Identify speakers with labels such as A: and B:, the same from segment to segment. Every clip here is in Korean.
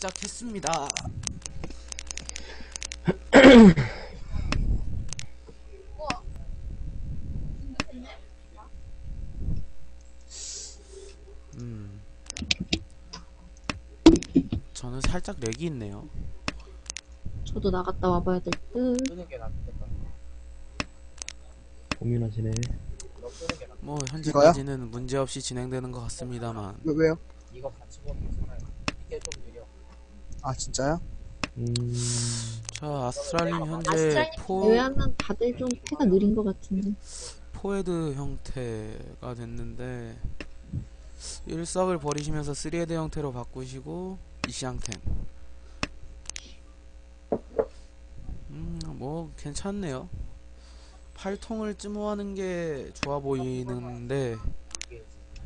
A: 시작했습니다. 저는 살짝 렉이 있네요.
B: 저도 나갔다 와봐야 될 듯.
C: 끄는 게 낫겠다.
D: 고민하시네.
C: 너 끄는 게 낫겠다.
A: 뭐 현재까지는 문제없이 진행되는 것 같습니다만.
E: 왜요?
C: 이거 같이 보는 게 편해요. 이게 좀 느려.
E: 아 진짜요?
A: 자, 아스트랄님 현재
B: 아스트랄님 제외하면 다들 좀 패가 느린 것 같은데.
A: 포헤드 형태가 됐는데 일석을 버리시면서 3헤드 형태로 바꾸시고 이시앙템. 뭐 괜찮네요. 팔통을 찜호하는 게 좋아 보이는데
C: 이게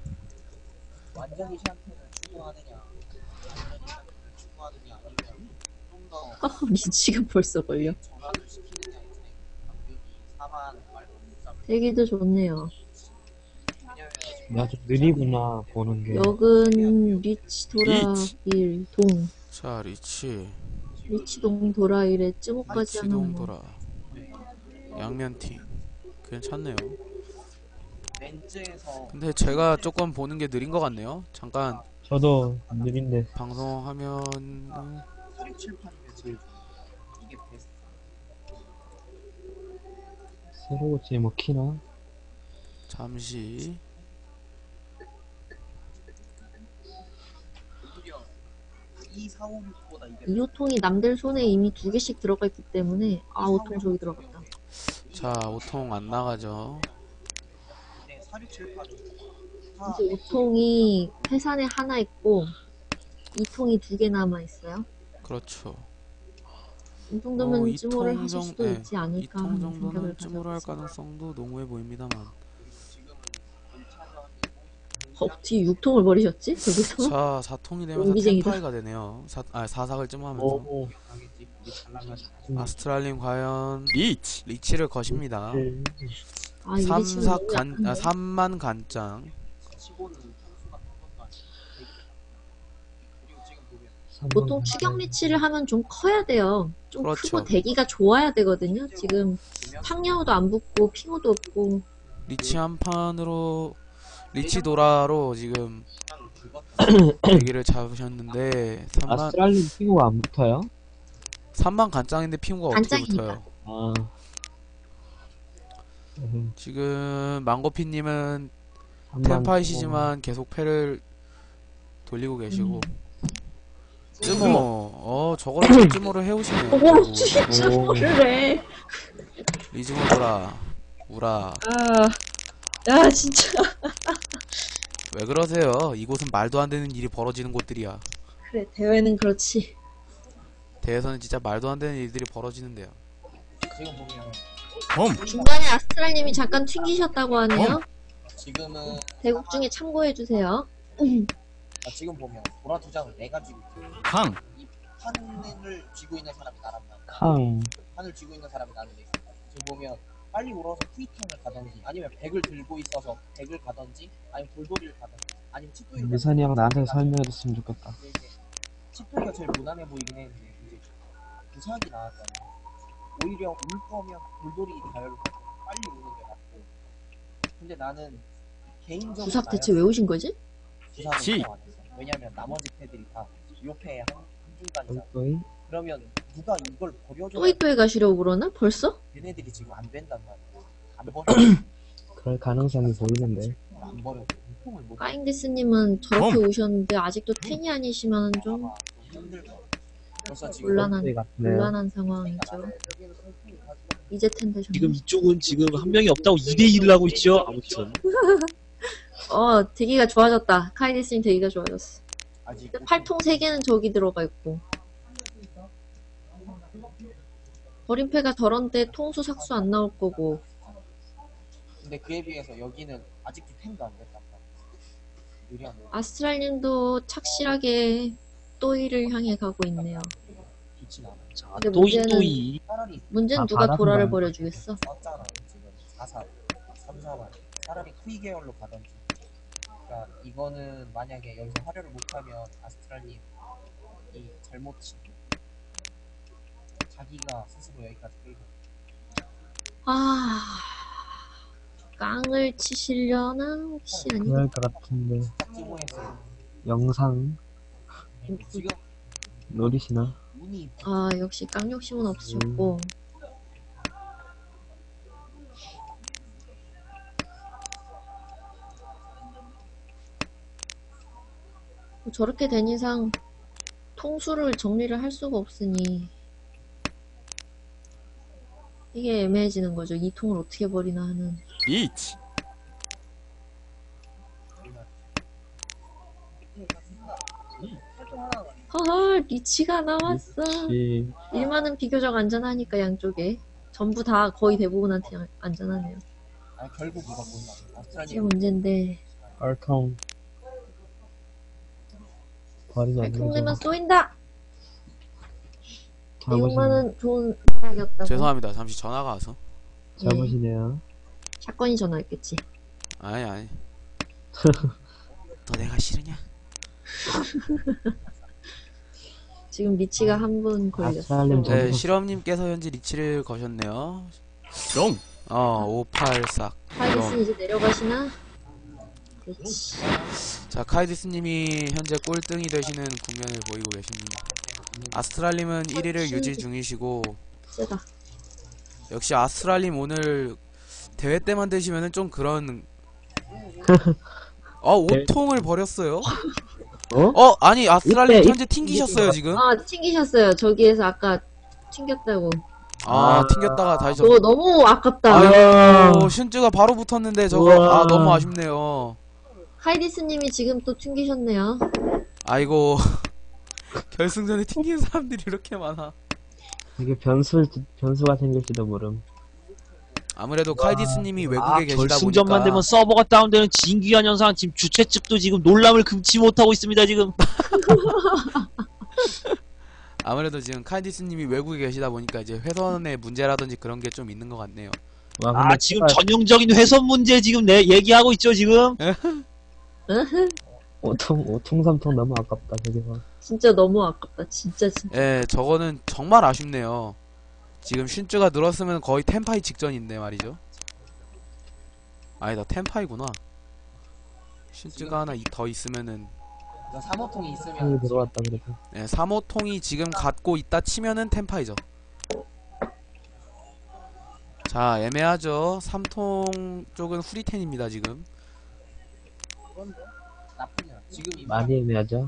C: 완전히 샹트를 추구하느냐, 완전히 샹트를 추구하느냐, 아니면 좀더
B: 리치가 벌써 걸려.
C: 전환을 시키느냐의 차이. 방벽이 4만 말고 3.
B: 되기도 좋네요.
C: 왜냐면
D: 나 좀 느리구나 보는 게.
B: 역은 리치 도라일 동.
A: 자,
B: 리치동 도라일에 쯔모까지 하면
A: 리치동
B: 뭐.
A: 돌아 양면티 괜찮네요.
C: 렌즈에서
A: 근데 제가 조금 보는 게 느린 것 같네요. 잠깐
D: 저도 느린데.
A: 방송하면
C: 4678이면 제일 좋아. 이게 베스트.
D: 새로워지 뭐 키나?
A: 잠시
C: 오히려 2456보다 이게
B: 2호통이 남들 손에 이미 2개씩 들어가 있기 때문에 5통 저기 들어갔다.
A: 자 5통 안 나가죠.
C: 근데 4678은
B: 이제 5통이 회산에 하나 있고 2통이 2개 남아 있어요.
A: 그렇죠.
B: 이 정도면
A: 이
B: 쯔모를
A: 통
B: 하실
A: 정-
B: 수도
A: 네,
B: 있지 않을까
A: 2통
B: 하는
A: 정도는
B: 생각을
A: 찜으로 할
B: 가져봤어요.
A: 가능성도 농후해 보입니다만.
C: 지금은 1차전이고
B: 뒤에 6통을 버리셨지? 거기서?
A: 자 4통이 되면서
B: 용기쟁이다.
A: 템파이가 되네요. 사삭을 찜하면서
D: 오.
C: 가겠지. 우리 잘 나가지.
A: 아스트랄님 과연 리치를 거십니다.
B: 아, 이게 지금 너무
A: 3만 간장.
C: 치고는 선수가 한번도 아니고 그리고 지금 보면
B: 보통 추격 리치를 하면 좀 커야 돼요. 좀
A: 그렇죠.
B: 크고 대기가 좋아야 되거든요. 지금 탕야오도 안 붙고 핑호도 없고
A: 리치 한 판으로 리치 도라로 지금
C: 긁었다.
A: 대기를 잡으셨는데 3만
D: 아스트랄린 핑구가 안 붙어요?
A: 3만 간장인데 핑구가 어떻게
B: 간장이니까.
A: 붙어요?
D: 아.
A: 지금 망고피님은
D: 한번
A: 템파이시지만 계속 패를 돌리고 계시고 쯔모 저거를 또 쯔모를 해오시네요.
B: 오,
A: 그리고
B: 진짜
D: 오.
B: 뭐를 해.
A: 리즈모 도라 우라
B: 야, 진짜.
A: 왜 그러세요? 이곳은 말도 안 되는 일이 벌어지는 곳들이야.
B: 그래, 대회는 그렇지.
A: 대회에서는 진짜 말도 안 되는 일들이 벌어지는데요.
C: 지금 보면
B: 중간에 아스트랄님이 잠깐 튕기셨다고 하네요.
C: 지금은
B: 대국 중에 참고해주세요.
C: 지금 보면 보라 두 장을 내가 쥐고 있어.
A: 강
C: 이 판을 쥐고 있는 사람이 나란 말이야.
D: 康
C: 판을 쥐고 있는 사람이 나는데 지금 보면 빨리 울어서 쿠이탕을 가던지 아니면 백을 들고 있어서 백을 가던지 아니면 돌돌이를 가던지 아니면 칫도이를
D: 미선이 형 나한테 설명해줬으면 좋겠다.
C: 근데 이제 칫도이가 제일 무난해 보이긴 했는데 이제 부삭이 나왔잖아. 오히려 울 거면 돌돌이 다혈로 빨리 우는 게 낫고. 근데 나는 개인적으로
B: 부삭 대체 왜 오신 거지?
C: 부삭을 더 안 했어. 왜냐면 나머지 패들이 다 요패의 한중간이잖아.
D: 또이?
C: 그러면 누가 이걸 버려줘?
B: 또이또이 가시려고 그러나? 벌써?
C: 얘네들이 지금 안 된단 말이야. 안 버려.
D: 그럴 가능성이 보이는데.
C: 안 버려. 유통을 못.
B: 까잉데스님은 저렇게 오셨는데 아직도 텐이 아니시면 좀
C: 좀 힘들어. 벌써 지금
B: 곤란한
D: 또이 같네요.
B: 곤란한 상황이죠. 이제 텐 되셨네.
F: 지금 이쪽은 지금 한 명이 없다고 2대1을 하고 있죠. 아무튼
B: 대기가 좋아졌다. 카이데스님 대기가 좋아졌어.
C: 아직
B: 근데 팔통 3개는 저기 들어가 있고 버림패가 덜한데 통수 삭수 안 나올 거고.
C: 근데 그에 비해서 여기는 아직도 템도 안 됐단 말이야. 유리한 거
B: 아스트랄님도 착실하게 또이를 향해 가고 있네요.
C: 좋진 않아.
F: 자
B: 근데
F: 또이또이
C: 차라리
B: 문제는
D: 아,
B: 누가
D: 바람이
B: 도라를
D: 많이
B: 버려주겠어.
C: 썼잖아 지금 4사 3사만 차라리 쿠이 계열로 가던지. 그러니까 이거는 만약에 여기서 활약을 못하면 아스트랄님 이 잘 잘못 친 자기가 스스로 여기까지 끌고
B: 아, 깡을 치시려나? 혹시 아니?
D: 그럴 것 같은데.
C: 찌모에서
D: 영상
C: 지금
D: 노리시나?
C: 운이
B: 아, 역시 깡 욕심은 없으셨고. 저렇게 된 이상 통수를 정리를 할 수가 없으니 이게 애매해지는 거죠. 이 통을 어떻게 버리나 하는.
A: 이치.
B: 허헐, 리치가 나왔어.
D: 이
B: 일만은 비교적 안전하니까 양쪽에. 전부 다 거의 대부분한테 안전하네요.
C: 아 결국 이거 뭔가
B: 이게
C: 아스트랄리아
B: 문제인데.
D: 얼통 버리면 안
B: 통내면
D: 되죠.
B: 쏘인다!
D: 잘못이네.
B: 6만은 좋은 생각이었다고.
A: 죄송합니다. 잠시 전화가 와서.
D: 잘못이네요.
B: 사건이 전화했겠지.
A: 아니. 너 내가 싫으냐?
B: 지금 리치가 한 분 걸렸어.
D: 아스트랄리아 전-
A: 네, 실험님께서 현재 리치를 거셨네요. 영. 584.
B: 파이리스 이제 내려가시나? 그렇지.
A: 자, 카이디스님이 현재 꼴등이 되시는 국면을 보이고 계십니다. 아스트랄님은 1위를 유지 중이시고,
B: 세다.
A: 역시 아스트랄님 오늘 대회 때만 되시면은 좀 그런, 5통을 버렸어요? 아니, 아스트랄님
D: 이때
A: 현재 튕기셨어요, 지금?
B: 아, 튕기셨어요. 저기에서 아까 튕겼다고.
A: 튕겼다가 다시
B: 저거 너무 아깝다.
A: 아유, 신쯔가 바로 붙었는데 저거,
D: 우와.
A: 너무 아쉽네요.
B: 하이디스님이 지금 또 튕기셨네요.
A: 아이고, 결승전에 튕기는 사람들이 이렇게 많아.
D: 이게 변수가 생길지도 모름.
A: 아무래도 카이디스님이 외국에 계시다
F: 결승전만
A: 보니까
F: 되면 서버가 다운되는 진귀한 현상. 지금 주최 측도 지금 놀람을 금치 못하고 있습니다 지금.
A: 아무래도 지금 카이디스님이 외국에 계시다 보니까 이제 회선의 문제라든지 그런 게 좀 있는 것 같네요.
D: 와, 근데
F: 지금 전형적인 회선 문제 지금 얘기하고 있죠 지금.
D: 오통 삼통 너무 아깝다 저기서.
B: 진짜 너무 아깝다. 진짜.
A: 예, 저거는 정말 아쉽네요. 지금 슌쯔가 늘었으면 거의 텐파이 직전인데 말이죠. 아니다, 텐파이구나. 슌쯔가 하나 더 있으면은
C: 3호통이
D: 통이
C: 있으면
D: 들어왔다 그래도.
A: 3호통이 지금 갖고 있다 치면은 텐파이죠. 자, 애매하죠. 3통 쪽은 후리텐입니다 지금.
C: 나쁘지 않아. 지금
D: 많이 애매하죠.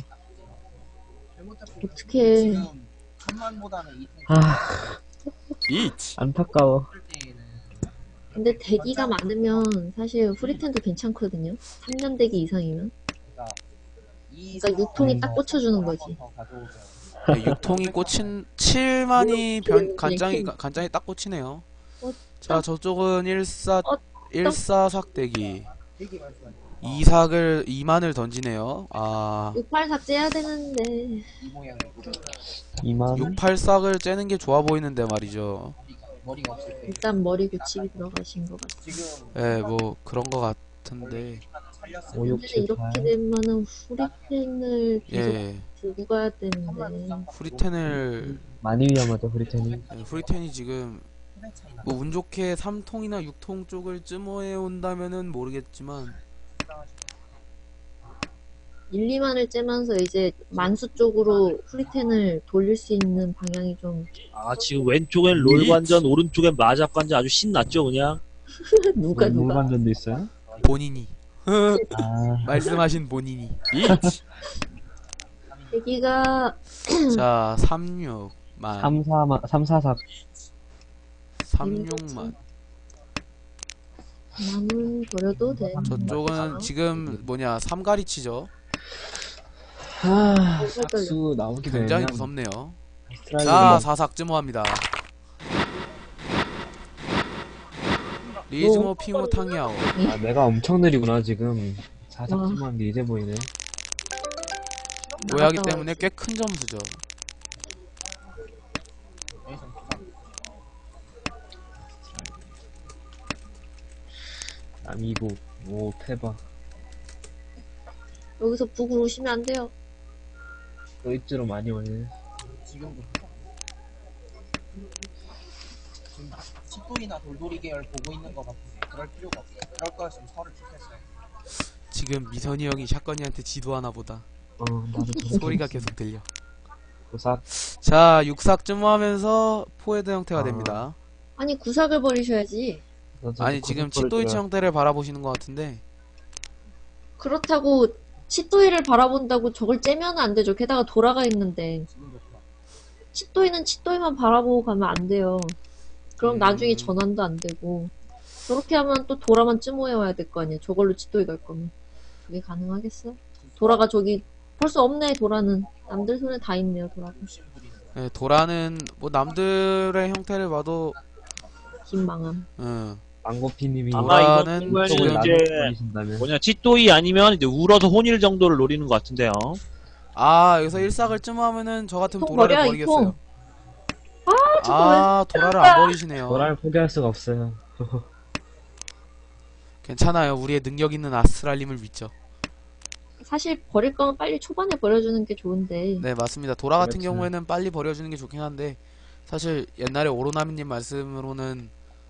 B: 어떡해.
C: 지금 천만보다는 이통
D: 아
A: 이치.
D: 안타까워.
C: 할 때에는
B: 근데 대기가 많으면 사실 후리텐도 괜찮거든요. 3년 대기 이상이면.
C: 그러니까
B: 그러니까 유통이 딱 꽂혀주는 거지.
A: 네, 6통이 꽂힌 7만이 간장이 딱 꽂히네요. 자, 저쪽은 14삭 대기. 2만을 던지네요.
B: 68삭 째야 되는데.
C: 이 모양이고
D: 2만
A: 68삭을 째는 게 좋아 보이는데 말이죠.
C: 머리가 없을 때
B: 일단 머리 교칙이 들어가신 것 같아.
C: 지금
A: 예, 뭐 그런 거 같은데.
C: 살렸을
D: 5, 6,
B: 근데
D: 7,
B: 이렇게
D: 8
B: 되면은 후리텐을 계속
A: 예,
B: 들고 가야 되는데.
A: 후리텐을
D: 많이 위험하죠 브리텐이.
A: 후리텐이 지금 뭐 운 좋게 3통이나 6통 쪽을 쯤어해 온다면은 모르겠지만
B: 1, 2만을 째면서 이제 만수 쪽으로 후리텐을 돌릴 수 있는 방향이 좀
F: 지금 왼쪽엔 롤 관전, 오른쪽엔 마작 관전 아주 신났죠 그냥.
B: 누가
D: 물관전도 있어요?
A: 본인이
D: 아
A: 말씀하신 본인이. 이치.
B: 대기가
A: 자, 36만
D: 3,4삭
A: 36만.
B: 남은 버려도 돼.
A: 저쪽은 지금 삼가리치죠.
D: 삭수 나오기 전에
A: 굉장히 무섭네요.
D: 아스트랄리아
A: 자, 사삭 쯔모합니다. 리즈모 핑호 탕야오.
D: 내가 엄청 느리구나 지금. 4삭수만 게 이제 보이네.
A: 오해하기 때문에 꽤 큰 점수죠.
D: 아미고 오 페바
B: 여기서 북으로 오시면 안 돼요.
D: 도입지로 많이 오네.
C: 지금도 지금 칫도이나 돌돌이 계열 보고 있는 것 같은데 그럴 필요가 없어요. 그럴 거였으면 서를 킵했어요.
A: 지금 미선이 형이 샷건이한테 지도하나 보다.
D: 나도
A: 소리가 계속 들려.
D: 고삭.
A: 자, 육삭쯤 하면서 포헤드 형태가
D: 아.
A: 됩니다.
B: 아니 구삭을 버리셔야지.
A: 아니, 지금 칫도이치 형태를 바라보시는 것 같은데,
B: 그렇다고 칫도이를 바라본다고 저걸 째면 안 되죠. 게다가 돌아가 있는데
C: 지금도 그렇고.
B: 칫도이는 칫도이만 바라보고 가면 안 돼요. 그럼 나중에
A: 음.
B: 전환도 안 되고 저렇게 하면 또 도라만 쯤모여 와야 될 거 아니야. 저걸로 칫도이 갈 거면 그게 가능하겠어? 도라가 저기 벌써 없네. 도라는 남들 손에 다 있네요. 도라가
C: 욕심부리는 거.
A: 네, 도라는 뭐 남들의 형태를 봐도,
B: 긴망함.
D: 망고피님이
F: 아마
A: 도라는
F: 이건
A: 지금
F: 이제
D: 버리신다면
F: 뭐냐 칫도이 아니면 이제 울어서 혼일 정도를 노리는 것 같은데요.
A: 아, 여기서 일삭을 쯤하면은 저 같으면
B: 통
A: 도라를
B: 버려, 이
A: 버리겠어요.
B: 통.
A: 아, 도라를 안 버리시네요.
D: 도라를 포기할 수가 없어요.
A: 괜찮아요. 우리의 능력 있는 아스트랄님을 믿죠.
B: 사실 버릴 거면 빨리 초반에 버려주는 게 좋은데
A: 네, 맞습니다. 도라 같은
D: 그렇지.
A: 경우에는 빨리 버려주는 게 좋긴 한데, 사실 옛날에 오로나미님 말씀으로는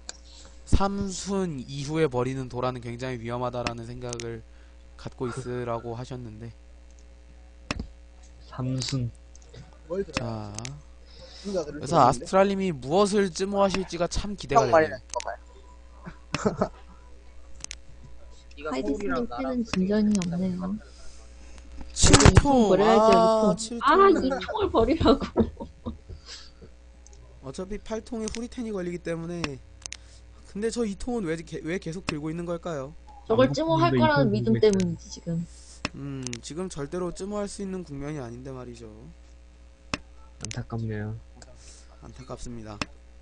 A: 3순 이후에 버리는 도라는 굉장히 위험하다라는 생각을 갖고 있으라고 하셨는데,
D: 삼순.
A: 자,
C: 생각을
A: 그래서 아스트랄님이 무엇을 찜호하실지가 참 기대가 되네요.
B: 하이디스님 패는 진전이 없네요.
A: 7통!
B: 버려야죠,
A: 아,
B: 2통.
A: 7통.
B: 아, 이 통을 버리라고.
A: 어차피 8통에 후리텐이 걸리기 때문에. 근데 저 2통은 왜 계속 들고 있는 걸까요?
B: 저걸 찜호할
D: 망고피님도
B: 거라는
D: 이통
B: 믿음
D: 들고 있어요.
B: 때문이지 지금.
A: 지금 절대로 찜호할 수 있는 국면이 아닌데 말이죠.
D: 안타깝네요.
A: 안타깝습니다.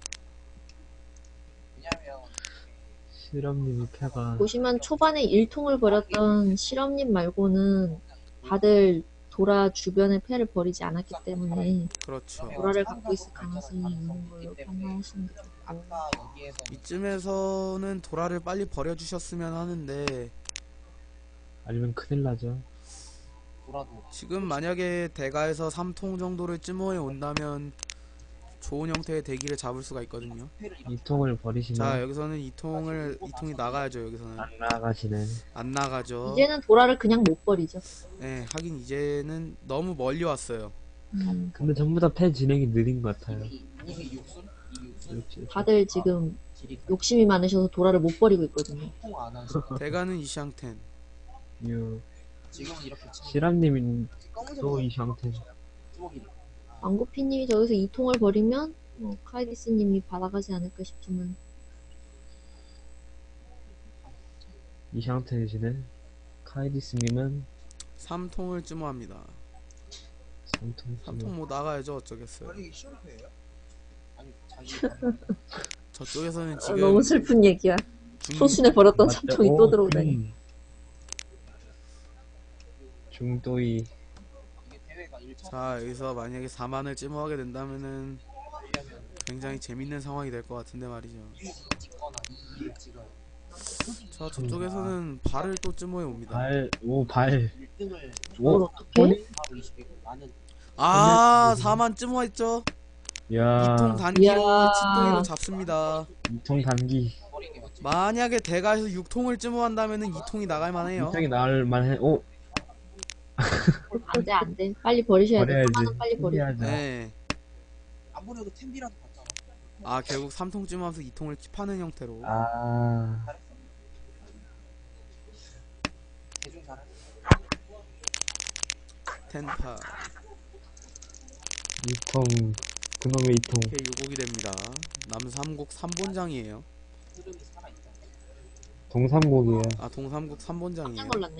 C: 왜냐면
D: 실험님이 패가
B: 보시면 초반에 1통을 버렸던 실험님 말고는 다들 도라 주변의 패를 버리지 않았기 때문에
A: 그렇죠.
B: 도라를 갖고 있을 가능성이 있는 걸로 판단하시면 되고.
C: 아까 여기에서
A: 이쯤에서는 도라를 빨리 버려주셨으면 하는데,
D: 아니면 큰일 나죠.
C: 돌아도
A: 지금 만약에 대가에서 3통 정도를 찜호해 온다면 좋은 형태의 대기를 잡을 수가 있거든요.
C: 회를 이렇게
D: 이 통을
A: 자,
D: 버리시면
A: 여기서는 2통이 나가야죠. 여기서는
D: 안 나가시네.
A: 안 나가죠.
B: 이제는 도라를 그냥 못 버리죠.
A: 네, 하긴 이제는 너무 멀리 왔어요.
D: 근데 전부 다 패 진행이 느린 것 같아요.
C: 이미 육순? 이 육순?
D: 그렇지.
B: 다들 지금
C: 질이
B: 욕심이 많으셔서 도라를 못 버리고 있거든요.
C: 통안 하죠.
A: 대가는 이샹텐.
D: 유
C: 지금은 이렇게 치는
D: 실험님이
C: 검은색
D: 또 이 상태.
C: 주먹이
B: 망고피님이 저기서 2통을 버리면 카이디스님이 받아가지 않을까 싶지만
D: 이 상태이시네. 카이디스님은
A: 3통을 찜호합니다.
D: 3통.
A: 3통 뭐 나가야죠. 어쩌겠어요.
C: 이게 시험표예요? 아니 자기
A: 저쪽에서는
B: 아, 너무
A: 지금
B: 슬픈 얘기야. 소신에 버렸던 3통이 또 들어오다니.
D: 중도이
C: 이게 대회가 1차
A: 자, 여기서 만약에 4만을 찜호하게 된다면은
C: 하려면
A: 굉장히 재밌는 상황이 될 것 같은데 말이죠.
C: 1을 찍거나 2를 찍어요.
A: 자, 저쪽에서는 발을 또 찜호해 옵니다.
D: 발, 오, 발.
C: 1등을
D: 오,
B: 어떻게?
C: 바로 20개고 나는
A: 아, 4만 찜호했죠?
D: 야,
A: 2통 단기로
B: 이야.
A: 칫도이로 잡습니다.
D: 2통 단기.
C: 버리게 맞지.
A: 만약에 대가에서 6통을 찜호한다면은 2통이 나갈 만해요.
D: 2통이 나올 만해. 오,
B: 안돼 안돼. 빨리 버리셔야 돼.
D: 버려야지.
B: 4만원 빨리 버려.
D: 포기하자.
A: 네.
C: 안 버려도 템비라도 받잖아.
A: 아, 결국 3통 찜호하면서 2통을 킵하는 형태로.
D: 아,
C: 대중 잘해.
A: 텐파.
D: 2통. 그놈의 2통.
A: 이렇게 유곡이 됩니다. 남삼국 3본장이에요.
C: 흐름이 살아있다.
D: 동삼곡이에요.
A: 아, 동삼국
B: 깜짝
A: 3본장이에요.
B: 놀랐네.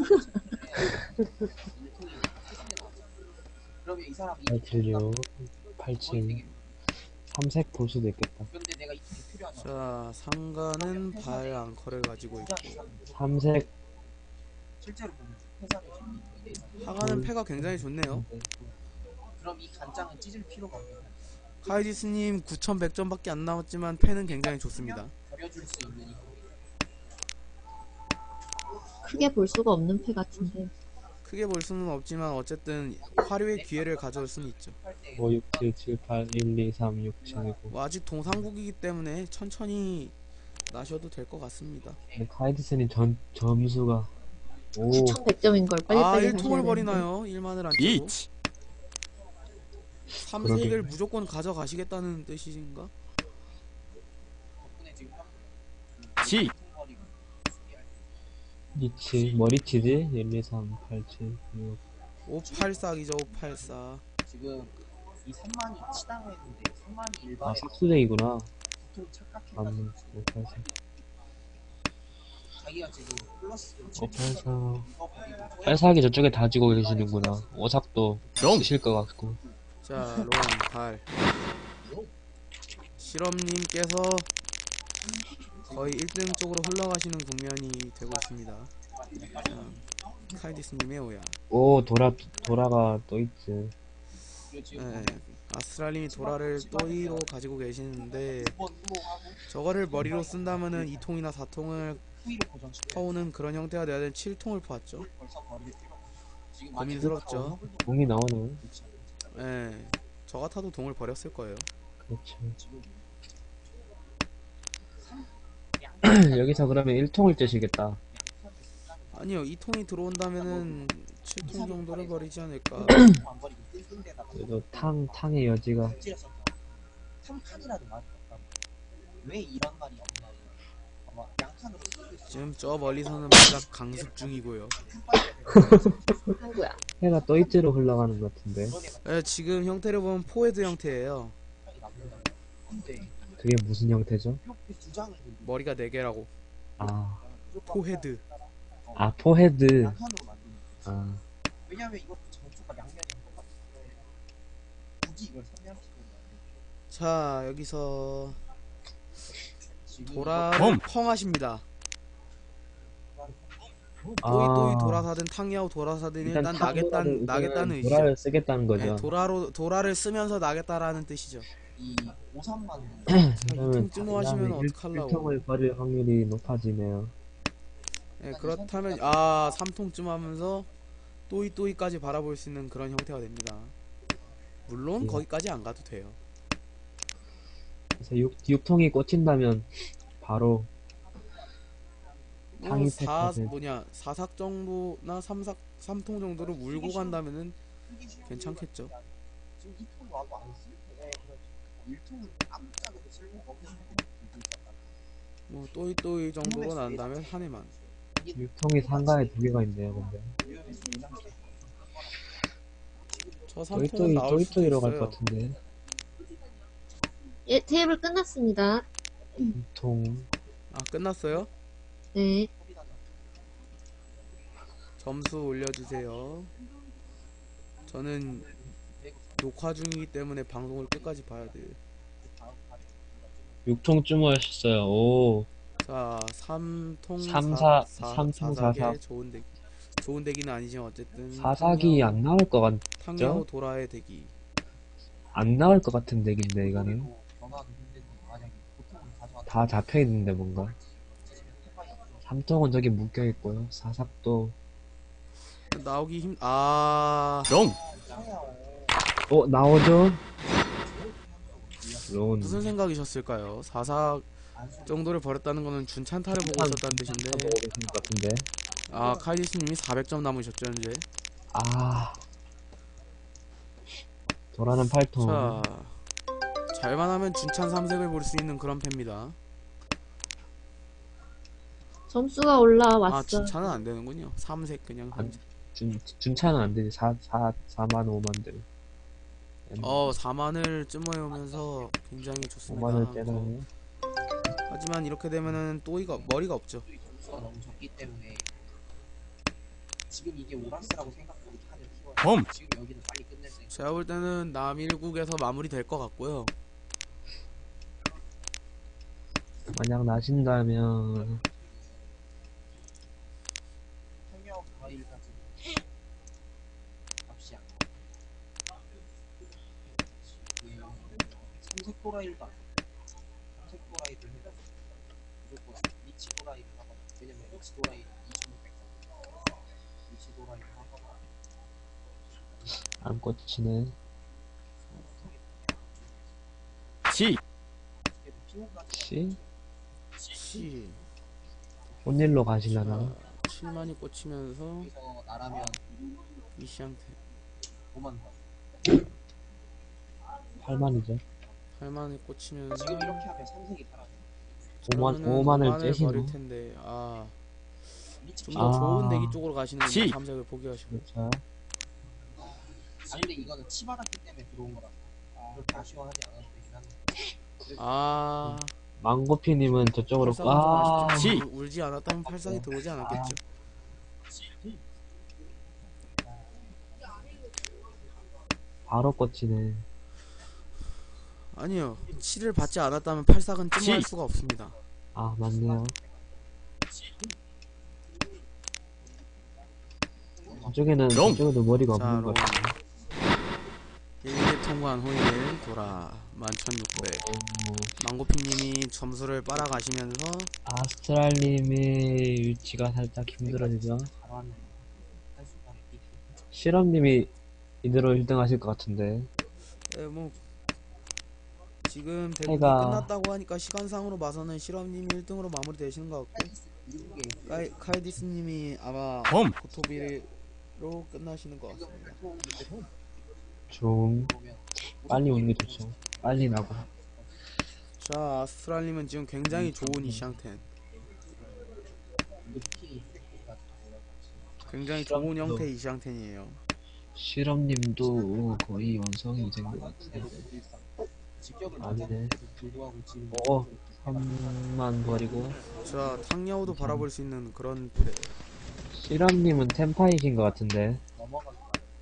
C: 그러면 이 사람이
D: 876, 87. 삼색 볼 수도 있겠다.
C: 근데 내가 이 팀이 필요하잖아.
A: 자, 상가는 발 앙커를 가지고 있고,
D: 삼색,
C: 실제로 보면 회사를 지금
A: 하가는 패가 굉장히 좋네요.
C: 그럼 이 간장은 찢을 필요가 없는 거야.
A: 카이디스님 9100점밖에 안 남았지만 패는 굉장히 좋습니다.
C: 버려줄 수 있는 이거.
B: 크게 볼 수가 없는 패 같은데.
A: 크게 볼 수는 없지만 어쨌든 화려의 기회를 가져올 수는 있죠.
D: 5, 6, 7, 7, 8, 1, 2, 3, 6, 7, 9.
A: 뭐 아직 동상국이기 때문에 천천히 나셔도 될 것 같습니다.
D: 근데 카이드스님 점수가. 오,
B: 9,100점인 걸
A: 아,
B: 빨리빨리
A: 1통을
B: 가셔야 되는데.
A: 버리나요? 1만을 안 치고. 3색을 무조건 가져가시겠다는 뜻이신가?
C: 덕분에 지금
F: 지.
D: 리치, 머리치지? 1, 2, 3, 8, 7, 6.
A: 584기죠, 584.
C: 지금 이 3만이 치다고 했는데 3만이
D: 아,
C: 일반에
D: 삭수쟁이구나.
C: 보통 착각해가지고
D: 맞네. 5, 8, 4.
C: 자기가 지금 플러스
D: 5, 8, 4.
C: 이거 버리고
D: 8사기 저쪽에 다지고 계시는구나. 오삭도 쓰실 것 같고.
A: 자, 롱, 8. 실험님께서 거의 1등 쪽으로 흘러가시는 국면이 되고 있습니다. 자, 카이디스님의 오야.
D: 오, 도라가 또 있지.
A: 네, 아스트랄님이 도라를 또이로 가지고 계시는데
C: 두번 후로하고
A: 저거를 머리로 쓴다면은 2통이나 4통을
C: 후위로 고정시켜요.
A: 퍼오는 그런 형태가 돼야 되는 7통을 퍼왔죠.
C: 벌써 버릴 필요 없어. 지금
A: 고민스럽죠.
D: 공이 나오네.
A: 예, 저 같아도 동을 버렸을 거예요.
D: 그렇죠.
C: 지금
D: 여기서 그러면 1통을 째시겠다.
A: 아니요, 2통이 들어온다면은 7통 정도를 버리지 않을까.
C: 안 버리고 뜬 데다가
D: 그래도 탕의 여지가.
C: 찔렸었죠. 3칸이라도 말이 없다고. 왜 이런 말이 없나? 아마 양칸으로 쓰고 있어.
A: 지금 저 멀리서는 바닥 강습 중이고요.
B: 아이고야.
D: 해가 또 있지로 흘러가는 것 같은데.
A: 예, 지금 형태를 보면 포헤드 형태예요.
C: 근데
D: 그게 무슨 형태죠?
C: 이렇게 두 장을 들고
A: 머리가 4개라고.
D: 아,
A: 포헤드.
D: 아 포헤드.
C: 양칸으로 만드는 거지.
D: 아,
C: 왜냐면 이것도 전투가 양면인 것 같아. 굳이 이걸 선명시키는 거야.
A: 자, 여기서
C: 지금
A: 도라를 펑하십니다. 또이 도라사든 탕야오 도라사든 일단 나겠다는 의지죠.
D: 도라를 쓰겠다는 거죠.
A: 네, 도라를 쓰면서 나겠다라는 뜻이죠.
C: 이 5,3만
D: 그러면
A: 2통쯤 하시면 어떡하려고.
D: 1통을 버릴 확률이 높아지네요.
A: 예, 그렇다면 아 3통쯤 하면서 또이까지 바라볼 수 있는 그런 형태가 됩니다. 물론
D: 예.
A: 거기까지 안 가도 돼요.
D: 그래서 6통이 꽂힌다면 바로
A: 뭐
D: 탕이
A: 4삭 정도나 3통 정도로 물고 간다면은 괜찮겠죠.
C: 지금 2통 와도 안 쓸 때. 1통은 아무짝에도 쓸모가 없는 거 들고 있었다.
A: 뭐 또이 정도로 난다면 한 해만.
D: 6통이 상가에 2개가 있네요. 근데
A: 저 3통은 나올 수도
D: 또이또이로 갈 것
A: 있어요.
D: 같은데.
B: 예, 테이블 끝났습니다.
D: 2통.
A: 아 끝났어요?
B: 네.
A: 점수 올려주세요. 저는 녹화 중이기 때문에 방송을 끝까지 봐야 돼요.
D: 6통 쯤하셨어요. 오.
A: 자, 3통
D: 3통 4삭.
A: 좋은 대기는 아니지만 어쨌든
D: 4삭이 안 나올 것 같,
A: 탕야오 도라의 대기.
D: 안 나올 것 같은 덱인데, 이거는.
C: 변화도 힘든데 만약에 보통은 가져왔다.
D: 다 잡혀있는데, 뭔가. 3통은 저기 묶여있고요. 4삭도.
A: 나오기 롱!
D: 나오죠? 론.
A: 무슨 생각이셨을까요? 4삭 정도를 버렸다는 거는 준찬타를 보고 있었다는 뜻인데.
D: 보고 계신 것 같은데.
A: 아, 카이디스님이 400점 남으셨죠, 현재.
D: 아. 도라는 8통.
A: 자, 잘만 하면 준찬 3색을 볼 수 있는 그런 패입니다.
B: 점수가 올라왔어.
A: 아, 준찬은 안 되는군요. 3색 그냥.
D: 안- 준차는 안 되지. 4만 5만들.
A: 4만을 쯤어오면서 굉장히 좋습니다.
D: 5만을 째다니.
A: 하지만 이렇게 되면은 머리가 없죠.
C: 점수가 너무 적기 때문에 지금 이게 오라스라고 생각하고 칸을 키워야 돼. 지금 여기는 빨리 끝낼 수 있어.
A: 제가 볼 때는 남일국에서 마무리 될 것 같고요.
D: 만약 나신다면
C: 평양 과일까지 값이 안 나. 삼색 도라일도 안 돼. 삼색 도라이도 해도 무조건 리치 도라이를 하거나. 왜냐면 리치 도라이 2600. 위치 돌아 있는 하거나
D: 안 꽂히네.
A: 치!
C: 그래도 피해가
D: 씨?
A: 치.
D: 온일로 가시려나?
A: 7만이 꽂히면서
C: 여기서 나라면
A: 이시한테
C: 5만 더.
D: 8만이죠.
A: 8만이 꽂히면서
C: 지금 이렇게 하면 삼색이 사라져.
D: 5만을 째시노?
A: 버릴 텐데
C: 리치
A: 좀 더
D: 아.
A: 좋은 대기 쪽으로 가시는
F: 치.
A: 분들 삼색을 포기하시고
D: 그렇죠.
C: 아 근데 이거는 치받았기 때문에 들어온 거라. 그렇게 아쉬워하지 않아도 되긴 한데.
D: 망고피님은 저쪽으로
A: 팔삭은 좀
D: 아,
A: 아쉽지만 울지 않았다면 팔삭이 들어오지 않았겠죠.
D: 바로 꽂히네.
A: 아니요. 치를 받지 않았다면 팔삭은 찜할 수가 없습니다.
D: 아, 맞네요. 저쪽에도 머리가
A: 자,
D: 없는 것
A: 로운.
D: 같아.
A: 1개 통과한 후에 돌아 11,600. 망고피님이 점수를 빨아가시면서
D: 아스트랄님의 위치가 살짝 힘들어지죠.
C: 잘하는 할 수가 있기.
D: 실험님이 이대로 1등 하실 것 같은데.
A: 뭐 지금 대국이
D: 해가-
A: 끝났다고 하니까 시간상으로 봐서는 실험님이 1등으로 마무리되시는 것 같고
C: 미국에
A: 카이디스님이 아마 고토비로 끝나시는 것 같습니다.
D: 좀 빨리 오는 게 좋죠. 빨리 나고.
A: 자, 아스트랄님은 지금 굉장히 좋은 이샹텐, 굉장히 좋은 형태의 이샹텐이에요.
D: 실험님도 거의 완성이 된 것 같은데.
C: 직격을
D: 아니네.
C: 불구하고 지금
D: 3만 버리고.
A: 자, 탕야오도 바라볼 수 있는 그런 플레이.
D: 실험님은 템파이신 것 같은데.
C: 넘어가서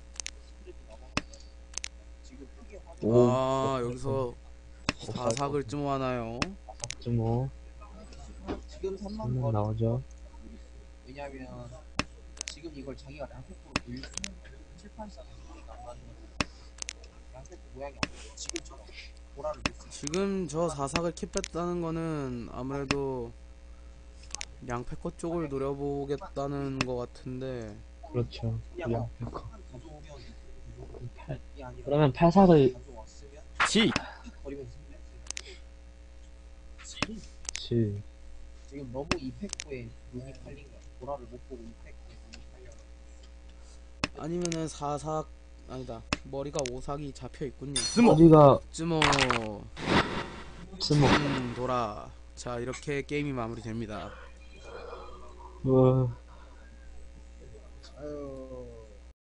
C: 지금 크게 화
A: 여기서 사삭을 좀 하나요?
D: 뭐
C: 지금 3만
D: 3만
C: 번
D: 나오죠.
C: 왜냐면 지금 이걸 자기가 랑페프로 돌릴 수 있는 7, 8, 4 안 맞는 랑페프 모양이 아니에요. 지금처럼 보라를 놓지.
A: 지금 저 사삭을 킵했다는 거는 아무래도 양패커 쪽을 노려보겠다는 것 같은데,
D: 그렇죠.
C: 그냥
D: 양패커.
C: 가져오면
D: 팔-
C: 이 아니라
D: 그러면 팔삭을
C: 가져왔으면
F: 치.
C: 버리면 승리.
D: 치.
C: 지금 너무 이펙트에 눈이 팔린 거야. 보라를 못 보고 이펙트에 눈이 팔려.
A: 아니면은 사삭 아니다, 머리가 오삭이 잡혀 있군요.
D: 어디가
A: 쯔모
D: 스모.
A: 돌아. 자, 이렇게 게임이 마무리됩니다.
D: 뭐
C: 아유